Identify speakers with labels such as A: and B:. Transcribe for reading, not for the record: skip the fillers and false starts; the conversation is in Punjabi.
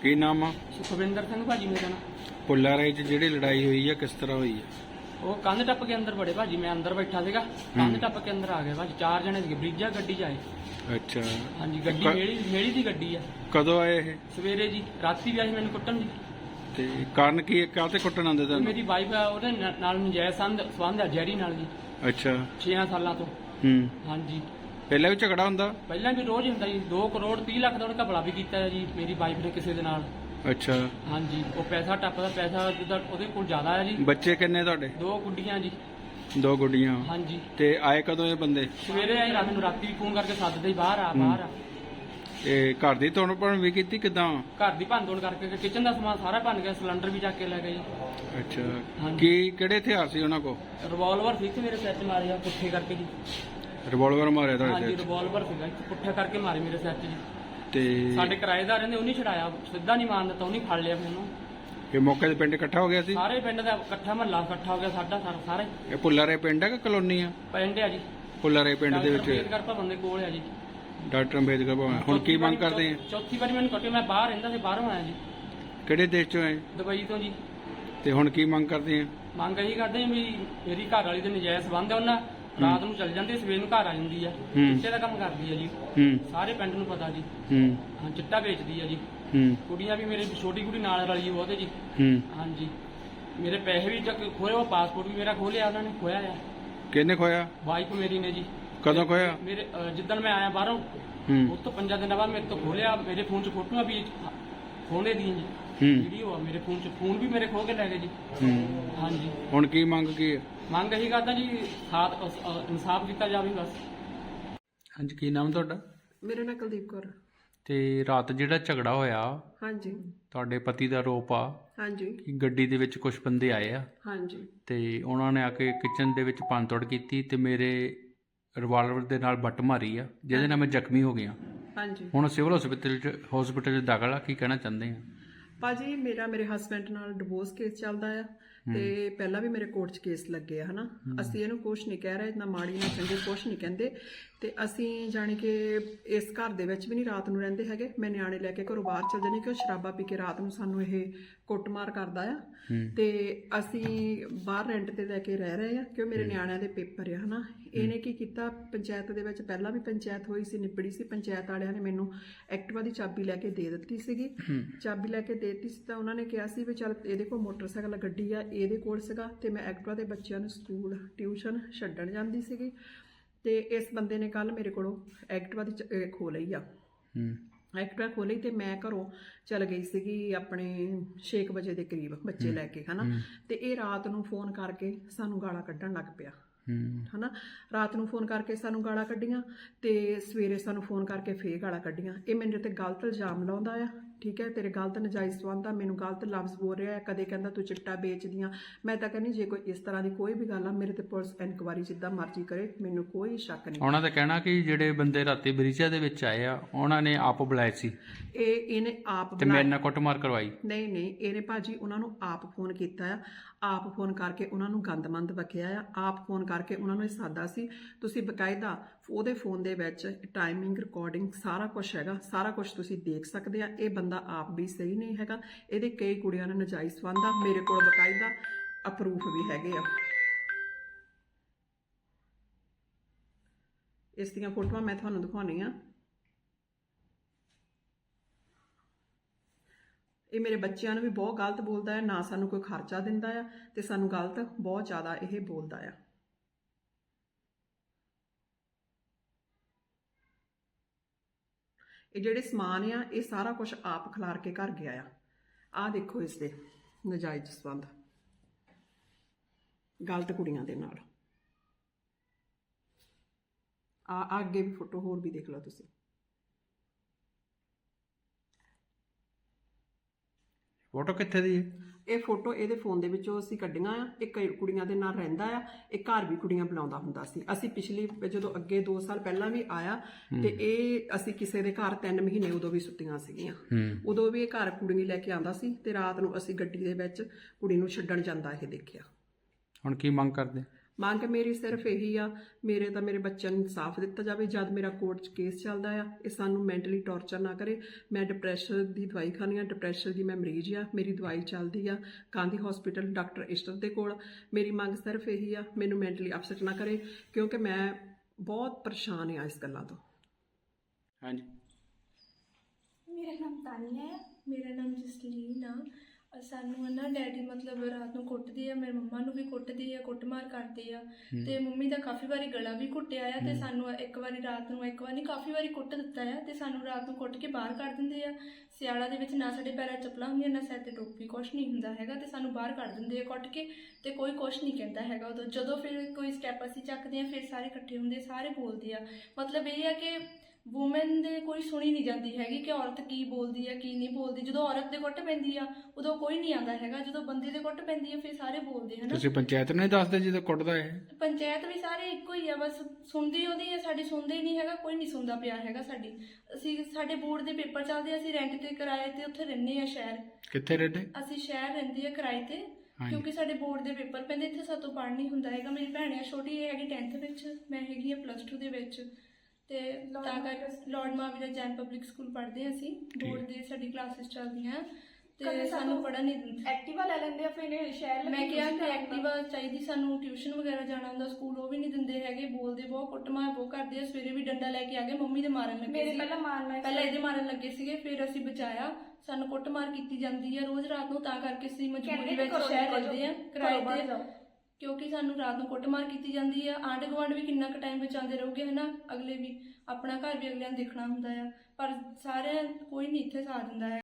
A: ਕੀ ਨਾਮ ਆ?
B: ਸੁਖਵਿੰਦਰ ਸਿੰਘ ਭਾਜੀ ਮੇਰਾ ਨਾਮ।
A: ਪੁੱਲਾ ਰਾਏ 'ਚ ਜਿਹੜੀ ਲੜਾਈ ਹੋਈ ਆ ਕਿਸ ਤਰ੍ਹਾਂ ਹੋਈ ਆ?
B: ਉਹ ਕੰਧ ਟੱਪ ਕੇ ਅੰਦਰ ਵੜੇ ਭਾਜੀ, ਮੈਂ ਅੰਦਰ ਬੈਠਾ ਸੀਗਾ, ਕੰਧ ਟੱਪ ਕੇ ਅੰਦਰ ਆ ਗਏ ਭਾਜੀ। 4 ਜਣੇ ਸੀਗੇ, ਬਰੀਜਾ ਗੱਡੀ 'ਚ ਆਏ।
A: ਅੱਛਾ,
B: ਹਾਂਜੀ, ਗੱਡੀ ਮੇਰੀ ਦੀ ਗੱਡੀ ਆ।
A: ਕਦੋਂ ਆਏ ਇਹ?
B: ਸਵੇਰੇ ਜੀ, ਰਾਤੀ ਵੀ ਆਏ ਮੈਨੂੰ ਕੁੱਟਣ ਜੀ।
A: ਤੇ ਕਾਰਨ ਕੀ ਹੈ, ਕਾਹਤੇ ਕੁੱਟਣ ਆਉਂਦੇ ਤੁਹਾਨੂੰ?
B: ਮੇਰੀ ਵਾਈਫ ਆ, ਉਹਦੇ ਨਾਲ ਨਜਾਇਜ਼ ਸੰਬੰਧ ਆ ਜੈਰੀ ਨਾਲ ਜੀ,
A: ਅੱਛਾ
B: 6 ਸਾਲਾਂ ਤੋਂ। ਹਾਂਜੀ,
A: ਪਹਿਲਾਂ ਵੀ ਝਗੜਾ ਹੁੰਦਾ?
B: ਪਹਿਲਾਂ ਵੀ ਰੋਜ਼ ਹੁੰਦਾ ਜੀ। 2 ਕਰੋੜ 30 ਲੱਖ ਦਾ ਉਹਨੇ ਘਪਲਾ ਵੀ ਕੀਤਾ ਹੈ ਜੀ ਮੇਰੀ ਵਾਈਫ ਨੇ ਕਿਸੇ ਦੇ ਨਾਲ।
A: ਅੱਛਾ,
B: ਹਾਂਜੀ, ਉਹ ਪੈਸਾ ਟੱਪਦਾ, ਪੈਸਾ ਜਿੱਦਾਂ ਉਹਦੇ ਕੋਲ ਜ਼ਿਆਦਾ ਹੈ ਜੀ।
A: ਬੱਚੇ ਕਿੰਨੇ ਤੁਹਾਡੇ?
B: 2 ਗੁੱਡੀਆਂ ਜੀ।
A: 2 ਗੁੱਡੀਆਂ।
B: ਹਾਂਜੀ,
A: ਤੇ ਆਏ ਕਦੋਂ ਇਹ ਬੰਦੇ?
B: ਸਵੇਰੇ ਆਏ, ਰਾਤ ਨੂੰ ਰਾਤੀ ਵੀ ਫੋਨ ਕਰਕੇ ਸੱਦਦੇ, ਬਾਹਰ ਆ ਬਾਹਰ ਆ।
A: ਇਹ ਘਰ ਦੀ ਤੋੜ ਭੰਨ ਵੀ ਕੀਤੀ ਕਿਦਾਂ?
B: ਘਰ ਦੀ ਭੰਨ-ਤੋੜ ਕਰਕੇ ਕਿਚਨ ਦਾ ਸਮਾਨ ਸਾਰਾ ਭੰਨ ਗਿਆ, ਸਿਲੰਡਰ ਵੀ ਚੱਕ ਕੇ ਲੈ ਗਏ ਜੀ।
A: ਅੱਛਾ,
B: ਹਾਂਜੀ।
A: ਕੀ ਕਿਹੜੇ ਹਥਿਆਰ ਸੀ ਉਹਨਾਂ ਕੋਲ?
B: ਰਿਵਾਲਵਰ ਸੀ ਮੇਰੇ ਸਿਰ 'ਚ ਮਾਰਿਆ ਪੁੱਠੇ ਕਰਕੇ ਜੀ।
A: ਰਿਵਾਲਵਰ ਮਾਰਿਆ ਤੁਹਾਡੇ
B: ਹਾਂਜੀ,
A: ਸਿਰ 'ਚ?
B: ਰਿਵਾਲਵਰ ਸੀਗਾ, ਪੁੱਠਾ ਕਰਕੇ ਮਾਰੇ ਮੇਰੇ ਸਿਰ 'ਚ ਜੀ।
A: ਤੇ
B: ਸਾਡੇ ਕਿਰਾਏਦਾਰ ਰਹਿੰਦੇ, ਉਹਨੇ ਛਡਾਇਆ, ਸਿੱਧਾ ਨਹੀਂ ਮਾਰਨ ਦਿੱਤਾ, ਉਹਨੇ ਫੜ ਲਿਆ ਮੈਨੂੰ।
A: ਇਹ ਮੌਕੇ ਤੇ ਪਿੰਡ ਇਕੱਠਾ ਹੋ ਗਿਆ ਸੀ?
B: ਸਾਰੇ ਪਿੰਡ ਦਾ ਇਕੱਠਾ ਮਹੱਲਾ ਇਕੱਠਾ ਹੋ ਗਿਆ ਸਾਡਾ ਸਾਰੇ।
A: ਇਹ ਪੁੱਲਾ ਰਾਏ ਪਿੰਡ ਹੈ ਕਿ ਕਲੋਨੀ ਆ?
B: ਪਿੰਡ ਆ ਜੀ,
A: ਪੁੱਲਾ ਰਾਏ ਪਿੰਡ ਦੇ ਵਿੱਚ
B: ਅੰਬੇਦਕਰ ਭਵਨ ਦੇ ਕੋਲ ਆ ਜੀ।
A: ਡਾਕਟਰ ਅੰਬੇਦਕਰ ਭਵਨ। ਹੁਣ ਕੀ ਮੰਗ ਕਰਦੇ ਆ?
B: ਚੌਥੀ ਵਾਰੀ ਮੈਨੂੰ ਕੱਟੇ, ਮੈਂ ਬਾਹਰ ਰਹਿੰਦਾ ਸੀ, ਬਾਹਰੋਂ ਆਇਆ ਜੀ,
A: ਕਿਹੜੇ ਦੇਸ਼ ਚੋਂ ਆਏ?
B: ਦੁਬਈ ਤੋਂ ਜੀ।
A: ਤੇ ਹੁਣ ਕੀ ਮੰਗ ਕਰਦੇ ਆ?
B: ਮੰਗ ਇਹੀ ਕਰਦੇ ਆ ਵੀ ਮੇਰੀ ਘਰ ਵਾਲੀ ਦੇ ਨਜਾਇਜ਼ ਸੰਬੰਧ ਆ, ਉਹਨਾਂ ਰਾਤ ਨੂੰ ਚੱਲ ਜਾਂਦੀ, ਸਵੇਰ ਨੂੰ ਘਰ ਆ ਜਾਂਦੀ ਆ, ਚਿੱਟੇ ਦਾ ਕੰਮ ਕਰਦੀ ਆ ਜੀ। ਸਾਰੇ ਪਿੰਡ ਨੂੰ ਪਤਾ ਜੀ। ਹਾਂ, ਚਿੱਟਾ ਵੇਚਦੀ ਆ ਜੀ। ਕੁੜੀਆਂ ਵੀ, ਮੇਰੇ ਛੋਟੀ ਕੁੜੀ ਨਾਲ ਰਲੀ ਉਹਦੇ ਜੀ। ਹਾਂਜੀ, ਮੇਰੇ ਪੈਸੇ ਵੀ ਖੋਏ, ਉਹ ਪਾਸਪੋਰਟ ਵੀ ਮੇਰਾ ਖੋਲਿਆ ਉਹਨਾਂ ਨੇ, ਖੋਇਆ ਆ।
A: ਕਿਹਨੇ ਖੋਇਆ?
B: ਵਾਈਫ ਮੇਰੀ ਨੇ ਜੀ।
A: ਕਦੋਂ ਖੋਇਆ?
B: ਮੇਰੇ ਜਿੱਦਣ ਮੈਂ ਆਇਆ ਬਾਹਰੋਂ, ਉਸ ਤੋਂ 5 ਦਿਨਾਂ ਬਾਅਦ ਮੇਰੇ ਤੋਂ ਖੋਲਿਆ। ਮੇਰੇ ਫੋਨ 'ਚ ਫੋਟੋਆਂ ਵੀ ਖੋਲੇ ਦੀਆਂ ਜੀ, ਵੀਡੀਓ ਆ ਮੇਰੇ ਫੋਨ 'ਚ, ਫੋਨ ਵੀ ਮੇਰੇ ਖੋ ਕੇ ਲੈ ਗਏ ਜੀ। ਹਾਂਜੀ,
A: ਹੁਣ ਕੀ ਮੰਗ ਕੀ ਹੈ?
B: ਮੰਗ ਇਹੀ ਕਰਦਾ ਜੀ, ਇਨਸਾਫ ਕੀਤਾ ਜਾਵੇ ਬਸ।
A: ਹਾਂਜੀ, ਕੀ ਨਾਮ ਤੁਹਾਡਾ?
C: ਮੇਰਾ ਨਾਂ ਕੁਲਦੀਪ ਕੌਰ।
A: ਤੇ ਰਾਤ ਜਿਹੜਾ ਝਗੜਾ ਹੋਇਆ,
C: ਹਾਂਜੀ
A: ਤੁਹਾਡੇ ਪਤੀ ਦਾ ਆਰੋਪ ਆ
C: ਹਾਂਜੀ
A: ਕਿ ਗੱਡੀ ਦੇ ਵਿੱਚ ਕੁਝ ਬੰਦੇ ਆਏ ਆ
C: ਹਾਂਜੀ
A: ਤੇ ਉਹਨਾਂ ਨੇ ਆ ਕੇ ਕਿਚਨ ਦੇ ਵਿੱਚ ਭੰਨਤੋੜ ਕੀਤੀ ਤੇ ਮੇਰੇ ਰਿਵਾਲਵਰ ਦੇ ਨਾਲ ਬੱਟ ਮਾਰੀ ਆ, ਜਿਹਦੇ ਨਾਲ ਮੈਂ ਜ਼ਖਮੀ ਹੋ ਗਿਆ।
C: ਹਾਂਜੀ
A: ਹੁਣ ਸਿਵਲ ਹਸਪੀਟਲ 'ਚ ਦਾਖਲ ਆ। ਕੀ ਕਹਿਣਾ ਚਾਹੁੰਦੇ ਆ?
C: ਭਾਜੀ, ਮੇਰੇ ਹਸਬੈਂਡ ਨਾਲ ਡਿਵੋਰਸ ਕੇਸ ਚੱਲਦਾ ਆ ਤੇ ਪਹਿਲਾਂ ਵੀ ਮੇਰੇ ਕੋਰਟ 'ਚ ਕੇਸ ਲੱਗੇ ਆ ਹਨਾ। ਅਸੀਂ ਇਹਨੂੰ ਕੁਛ ਨਹੀਂ ਕਹਿ ਰਹੇ, ਨਾ ਮਾੜੀ ਨਾ ਚੰਗੀ ਕੁਛ ਨਹੀਂ ਕਹਿੰਦੇ। ਤੇ ਅਸੀਂ ਜਾਣੀ ਕਿ ਇਸ ਘਰ ਦੇ ਵਿੱਚ ਵੀ ਨਹੀਂ ਰਾਤ ਨੂੰ ਰਹਿੰਦੇ ਹੈਗੇ। ਮੈਂ ਨਿਆਣੇ ਲੈ ਕੇ ਘਰੋਂ ਬਾਹਰ ਚਲ ਜਾਂਦੀ ਕਿ ਉਹ ਸ਼ਰਾਬਾ ਪੀ ਕੇ ਰਾਤ ਨੂੰ ਸਾਨੂੰ ਇਹ ਕੁੱਟਮਾਰ ਕਰਦਾ ਆ। ਤੇ ਅਸੀਂ ਬਾਹਰ ਰੈਂਟ ਤੇ ਲੈ ਕੇ ਰਹਿ ਰਹੇ ਆ ਕਿ ਮੇਰੇ ਨਿਆਣਿਆਂ ਦੇ ਪੇਪਰ ਆ ਹਨਾ। ਇਹਨੇ ਕੀ ਕੀਤਾ, ਪੰਚਾਇਤ ਦੇ ਵਿੱਚ ਪਹਿਲਾਂ ਵੀ ਪੰਚਾਇਤ ਹੋਈ ਸੀ, ਨਿਬੜੀ ਸੀ। ਪੰਚਾਇਤ ਵਾਲਿਆਂ ਨੇ ਮੈਨੂੰ ਐਕਟਿਵਾ ਦੀ ਚਾਬੀ ਲੈ ਕੇ ਦੇ ਦਿੱਤੀ ਸੀਗੀ। ਚਾਬੀ ਲੈ ਕੇ ਦੇ ਦਿੱਤੀ ਸੀ ਤਾਂ ਉਹਨਾਂ ਨੇ ਕਿਹਾ ਸੀ ਵੀ ਚੱਲ ਇਹਦੇ ਕੋਲ ਮੋਟਰਸਾਈਕਲ ਗੱਡੀ ਆ, ਇਹਦੇ ਕੋਲ ਸੀਗਾ। ਤੇ ਮੈਂ ਐਕਟਿਵਾ ਦੇ ਬੱਚਿਆਂ ਨੂੰ ਸਕੂਲ ਟਿਊਸ਼ਨ ਛੱਡਣ ਜਾਂਦੀ ਸੀਗੀ। ਤੇ ਇਸ ਬੰਦੇ ਨੇ ਕੱਲ ਮੇਰੇ ਕੋਲੋਂ ਐਕਟਿਵਾ ਦੀ ਖੋਹ ਲਈ ਆ। ਐਕਟਿਵਾ ਖੋਲੀ ਤੇ ਮੈਂ ਘਰੋਂ ਚਲ ਗਈ ਸੀਗੀ ਆਪਣੇ 6 ਵਜੇ ਦੇ ਕਰੀਬ ਬੱਚੇ ਲੈ ਕੇ ਹਨਾ। ਤੇ ਇਹ ਰਾਤ ਨੂੰ ਫੋਨ ਕਰਕੇ ਸਾਨੂੰ ਗਾਲਾਂ ਕੱਢਣ ਲੱਗ ਪਿਆ ਹਨਾ। ਰਾਤ ਨੂੰ ਫੋਨ ਕਰਕੇ ਸਾਨੂੰ ਗਾਲਾਂ ਕੱਢੀਆਂ ਤੇ ਸਵੇਰੇ ਸਾਨੂੰ ਫੋਨ ਕਰਕੇ ਫੇਰ ਗਾਲਾਂ ਕੱਢੀਆਂ। ਇਹ ਮੇਰੇ ਤੇ ਗਲਤ ਇਲਜ਼ਾਮ ਲਾਉਂਦਾ ਆ, ਠੀਕ ਹੈ। ਤੇਰੇ ਗਲਤ ਨਜਾਇਜ਼ ਸੰਬੰਧ ਆ, ਮੈਨੂੰ ਗਲਤ ਲਫ਼ਜ਼ ਬੋਲ ਰਿਹਾ। ਕਦੇ ਕਹਿੰਦਾ ਤੂੰ ਚਿੱਟਾ ਵੇਚਦੀਆਂ। ਮੈਂ ਤਾਂ ਕਹਿੰਦੀ ਜੇ ਕੋਈ ਇਸ ਤਰ੍ਹਾਂ ਦੀ ਕੋਈ ਵੀ ਗੱਲ ਆ, ਮੇਰੇ ਤੇ ਪੁਲਿਸ ਇਨਕੁਆਇਰੀ ਜਿੱਦਾਂ ਮਰਜ਼ੀ ਕਰੇ, ਮੈਨੂੰ ਕੋਈ ਸ਼ੱਕ ਨਹੀਂ।
A: ਉਹਨਾਂ ਦਾ ਕਹਿਣਾ ਕਿ ਜਿਹੜੇ ਬੰਦੇ ਰਾਤੀ ਬਰੀਜਾ ਦੇ ਵਿੱਚ ਆਏ ਆ, ਉਹਨਾਂ ਨੇ ਆਪ ਬੁਲਾਏ ਸੀ।
C: ਇਹਨੇ ਆਪ
A: ਤੇ ਮੇਰੇ ਨਾਲ ਕੁੱਟਮਾਰ ਕਰਵਾਈ?
C: ਨਹੀਂ, ਇਹਨੇ ਭਾਜੀ ਉਹਨਾਂ ਨੂੰ ਆਪ ਫੋਨ ਕੀਤਾ ਆ। ਆਪ ਫੋਨ ਕਰਕੇ ਉਹਨਾਂ ਨੂੰ ਗੰਦਮੰਦ ਬਕਿਆ ਆ। ਆਪ ਫੋਨ ਕਰਕੇ ਉਹਨਾਂ ਨੂੰ ਇਹ ਸਾਦਾ ਸੀ। ਤੁਸੀਂ ਬਕਾਇਦਾ ਉਹਦੇ ਫੋਨ ਦੇ ਵਿੱਚ ਟਾਈਮਿੰਗ ਰਿਕਾਰਡਿੰਗ ਸਾਰਾ ਕੁਝ ਹੈਗਾ, ਸਾਰਾ ਕੁਝ ਤੁਸੀਂ ਦੇਖ ਸਕਦੇ ਆ। ਇਹ ਬੰਦਾ ਆਪ ਵੀ ਸਹੀ ਨਹੀਂ ਹੈਗਾ, ਇਹਦੇ ਕਈ ਕੁੜੀਆਂ ਨਾਲ ਨਜਾਇਜ਼ ਸੰਬੰਧ ਆ। ਮੇਰੇ ਕੋਲ ਬਕਾਇਦਾ ਅਪਰੂਫ ਵੀ ਹੈਗੇ ਆ। ਇਸ ਦੀਆਂ ਫੋਟੋਆਂ ਮੈਂ ਤੁਹਾਨੂੰ ਦਿਖਾਉਣੀ ਆ। ਇਹ ਮੇਰੇ ਬੱਚਿਆਂ ਨੂੰ ਵੀ ਬਹੁਤ ਗਲਤ ਬੋਲਦਾ ਹੈ, ਨਾ ਸਾਨੂੰ ਕੋਈ ਖਰਚਾ ਦਿੰਦਾ ਆ ਤੇ ਸਾਨੂੰ ਗਲਤ ਬਹੁਤ ਜ਼ਿਆਦਾ ਇਹ ਬੋਲਦਾ ਆ। ਇਹ ਜਿਹੜੇ ਸਮਾਨ ਆ, ਇਹ ਸਾਰਾ ਕੁਝ ਆਪ ਖਿਲਾਰ ਕੇ ਘਰ ਗਿਆ ਆ। ਆਹ ਦੇਖੋ ਇਸ ਦੇ ਨਜਾਇਜ਼ ਸੰਬੰਧ ਗਲਤ ਕੁੜੀਆਂ ਦੇ ਨਾਲ। ਆ ਅੱਗੇ ਵੀ ਫੋਟੋ ਹੋਰ ਵੀ ਦੇਖ ਲਓ ਤੁਸੀਂ।
A: ਫੋਟੋ ਕਿੱਥੇ ਦੀ ਹੈ?
C: ਇਹ ਫੋਟੋ ਇਹਦੇ ਫੋਨ ਦੇ ਵਿੱਚੋਂ ਅਸੀਂ ਕੱਢੀਆਂ ਆ। ਇਹ ਕਈ ਕੁੜੀਆਂ ਦੇ ਨਾਲ ਰਹਿੰਦਾ ਆ। ਇਹ ਘਰ ਵੀ ਕੁੜੀਆਂ ਬੁਲਾਉਂਦਾ ਹੁੰਦਾ ਸੀ। ਅਸੀਂ ਪਿਛਲੀ ਜਦੋਂ ਅੱਗੇ 2 ਸਾਲ ਪਹਿਲਾਂ ਵੀ ਆਇਆ ਤੇ ਇਹ ਅਸੀਂ ਕਿਸੇ ਦੇ ਘਰ 3 ਮਹੀਨੇ ਉਦੋਂ ਵੀ ਸੁੱਤੀਆਂ ਸੀਗੀਆਂ। ਉਦੋਂ ਵੀ ਇਹ ਘਰ ਕੁੜੀ ਲੈ ਕੇ ਆਉਂਦਾ ਸੀ ਤੇ ਰਾਤ ਨੂੰ ਅਸੀਂ ਗੱਡੀ ਦੇ ਵਿੱਚ ਕੁੜੀ ਨੂੰ ਛੱਡਣ ਜਾਂਦਾ ਇਹ ਦੇਖਿਆ।
A: ਹੁਣ ਕੀ ਮੰਗ ਕਰਦੇ?
C: ਮੰਗ ਮੇਰੀ ਸਿਰਫ ਇਹੀ ਆ, ਮੇਰੇ ਬੱਚਿਆਂ ਨੂੰ ਇਨਸਾਫ ਦਿੱਤਾ ਜਾਵੇ। ਜਦ ਮੇਰਾ ਕੋਰਟ 'ਚ ਕੇਸ ਚੱਲਦਾ ਆ, ਇਹ ਸਾਨੂੰ ਮੈਂਟਲੀ ਟੌਰਚਰ ਨਾ ਕਰੇ। ਮੈਂ ਡਿਪਰੈਸ਼ਨ ਦੀ ਦਵਾਈ ਖਾਂਦੀ ਆ, ਡਿਪਰੈਸ਼ਨ ਦੀ ਮੈਂ ਮਰੀਜ਼ ਆ, ਮੇਰੀ ਦਵਾਈ ਚੱਲਦੀ ਆ ਗਾਂਧੀ ਹਸਪੀਟਲ ਡਾਕਟਰ ਇਸ਼ਟਰ ਦੇ ਕੋਲ। ਮੇਰੀ ਮੰਗ ਸਿਰਫ ਇਹੀ ਆ, ਮੈਨੂੰ ਮੈਂਟਲੀ ਅਪਸੈਟ ਨਾ ਕਰੇ, ਕਿਉਂਕਿ ਮੈਂ ਬਹੁਤ ਪਰੇਸ਼ਾਨ ਆ ਇਸ ਗੱਲਾਂ ਤੋਂ।
A: ਹਾਂਜੀ,
D: ਮੇਰਾ ਨਾਮ ਤਾਨੀਆ ਹੈ। ਮੇਰਾ ਨਾਮ ਜਸਲੀਨ ਆ। ਸਾਨੂੰ ਨਾ ਡੈਡੀ ਮਤਲਬ ਰਾਤ ਨੂੰ ਕੁੱਟਦੇ ਆ, ਮੇਰੇ ਮੰਮਾ ਨੂੰ ਵੀ ਕੁੱਟਦੇ ਆ, ਕੁੱਟਮਾਰ ਕਰਦੇ ਆ ਤੇ ਮੰਮੀ ਦਾ ਕਾਫੀ ਵਾਰੀ ਗਲਾ ਵੀ ਘੁੱਟਿਆ ਆ ਤੇ ਸਾਨੂੰ ਇੱਕ ਵਾਰੀ ਰਾਤ ਨੂੰ, ਇੱਕ ਵਾਰ ਨਹੀਂ ਕਾਫੀ ਵਾਰੀ ਕੁੱਟ ਦਿੱਤਾ ਆ ਤੇ ਸਾਨੂੰ ਰਾਤ ਨੂੰ ਕੁੱਟ ਕੇ ਬਾਹਰ ਕੱਢ ਦਿੰਦੇ ਆ। ਸਿਆਲਾਂ ਦੇ ਵਿੱਚ ਨਾ ਸਾਡੇ ਪੈਰਾਂ 'ਚ ਚੱਪਲਾਂ ਹੁੰਦੀਆਂ, ਨਾ ਸਿਰ ਤੇ ਟੋਪੀ, ਕੁਛ ਨਹੀਂ ਹੁੰਦਾ ਹੈਗਾ ਤੇ ਸਾਨੂੰ ਬਾਹਰ ਕੱਢ ਦਿੰਦੇ ਆ ਕੁੱਟ ਕੇ ਤੇ ਕੋਈ ਕੁਛ ਨਹੀਂ ਕਹਿੰਦਾ ਹੈਗਾ ਉਦੋਂ। ਜਦੋਂ ਫਿਰ ਕੋਈ ਸਟੈਪ ਅਸੀਂ ਚੱਕਦੇ ਆ ਫਿਰ ਸਾਰੇ ਇਕੱਠੇ ਹੁੰਦੇ, ਸਾਰੇ ਬੋਲਦੇ ਆ। ਮਤਲਬ ਇਹ ਆ ਕਿ ਵੂਮਨ ਦੇ ਕੋਈ ਸੁਣੀ ਨਹੀਂ ਜਾਂਦੀ ਹੈਗੀ ਕਿ ਔਰਤ ਕੀ ਬੋਲਦੀ ਹੈ ਕੀ ਨਹੀਂ ਬੋਲਦੀ। ਜਦੋਂ ਔਰਤ ਦੇ ਕੁੱਟ ਪੈਂਦੀ ਆ ਉਦੋਂ ਕੋਈ ਨਹੀਂ ਆਉਂਦਾ ਹੈਗਾ, ਜਦੋਂ ਬੰਦੇ ਦੇ ਕੁੱਟ ਪੈਂਦੀ ਆ ਫਿਰ ਸਾਰੇ ਬੋਲਦੇ ਹਨ।
A: ਤੁਸੀਂ ਪੰਚਾਇਤ ਨੂੰ ਨਹੀਂ ਦੱਸਦੇ ਜਦੋਂ ਕੁੱਟਦਾ ਹੈ?
D: ਪੰਚਾਇਤ ਵੀ ਸਾਰੇ ਇੱਕੋ ਹੀ ਆ, ਬਸ ਸੁਣਦੀ ਉਹਦੀ ਹੈ, ਸਾਡੀ ਸੁਣਦਾ ਹੀ ਨਹੀਂ ਹੈਗਾ, ਕੋਈ ਨਹੀਂ ਸੁਣਦਾ ਪਿਆ ਹੈਗਾ ਸਾਡੀ। ਅਸੀਂ ਸਾਡੇ ਬੋਰਡ ਦੇ ਪੇਪਰ ਚੱਲਦੇ ਆ, ਅਸੀਂ ਰੈਂਟ ਤੇ ਕਿਰਾਏ ਤੇ ਉੱਥੇ ਰਹਿੰਦੇ ਆ ਸ਼ਹਿਰ।
A: ਕਿੱਥੇ ਰਹਿੰਦੇ?
D: ਅਸੀਂ ਸ਼ਹਿਰ ਰਹਿੰਦੇ ਆ ਕਿਰਾਏ ਤੇ, ਕਿਉਂਕਿ ਸਾਡੇ ਬੋਰਡ ਦੇ ਪੇਪਰ ਪੈਂਦੇ, ਇੱਥੇ ਸਾਤੋਂ ਪੜ੍ਹ ਨਹੀਂ ਹੁੰਦਾ ਹੈਗਾ। ਮੇਰੀ ਭੈਣ ਆ ਛੋਟੀ, ਇਹ ਹੈਗੀ 10th ਵਿੱਚ, ਮੈਂ ਹੈਗੀ ਆ +2 ਦੇ ਵਿੱਚ ਤੇ ਤਾਂ ਕਰਕੇ lord Mahavira Jain public school ਪੜ੍ਹਦੇ ਹਾਂ ਅਸੀਂ। ਬੋਰਡ ਦੇ ਸਾਡੀ ਕਲਾਸਿਸ ਚੱਲਦੀਆਂ ਤੇ ਸਾਨੂੰ ਪੜ੍ਹਨ ਨਹੀਂ ਦਿੰਦੇ।
E: ਐਕਟਿਵਾ ਲੈ ਲੈਂਦੇ ਆ ਫਿਰ ਸ਼ਹਿਰ
D: ਮੈਂ ਕਿਹਾ ਕਿ ਐਕਟਿਵਾ ਚਾਹੀਦੀ ਸਾਨੂੰ, ਟਿਊਸ਼ਨ ਵਗੈਰਾ ਜਾਣਾ ਹੁੰਦਾ ਸਕੂਲ, ਉਹ ਵੀ ਨਹੀਂ ਦਿੰਦੇ ਹੈਗੇ। ਬੋਲਦੇ ਬਹੁਤ, ਕੁੱਟਮਾਰ ਬਹੁਤ ਕਰਦੇ ਆ। ਸਵੇਰੇ ਵੀ ਡੰਡਾ ਲੈ ਕੇ ਆ ਗਏ, ਮੰਮੀ ਦੇ ਮਾਰਨ ਲੱਗੇ ਸੀ, ਪਹਿਲਾਂ ਇਹਦੇ ਮਾਰਨ ਲੱਗੇ ਸੀਗੇ, ਫਿਰ ਅਸੀਂ ਬਚਾਇਆ। ਸਾਨੂੰ ਕੁੱਟਮਾਰ ਕੀਤੀ ਜਾਂਦੀ ਆ ਰੋਜ਼ ਰਾਤ ਨੂੰ, ਤਾਂ ਕਰਕੇ ਅਸੀਂ ਮਜਬੂਰੀ ਵਿੱਚ ਸ਼ਹਿਰ ਰਹਿੰਦੇ ਆ ਕਿਰਾਏ ਤੇ, ਕਿਉਂਕਿ ਸਾਨੂੰ ਰਾਤ ਨੂੰ ਕੁੱਟਮਾਰ ਕੀਤੀ ਜਾਂਦੀ ਆ। ਆਂਢ ਗੁਆਂਢ ਵੀ ਕਿੰਨਾ ਕੁ ਟਾਈਮ ਬਚਾਉਂਦੇ ਰਹੋਗੇ ਹਨਾ, ਅਗਲੇ ਵੀ ਆਪਣਾ ਘਰ ਵੀ ਅਗਲਿਆਂ ਨੂੰ ਦੇਖਣਾ ਹੁੰਦਾ ਆ, ਪਰ ਸਾਰਿਆਂ ਕੋਈ ਨਹੀਂ ਇੱਥੇ ਸਾਥ ਦਿੰਦਾ ਹੈ।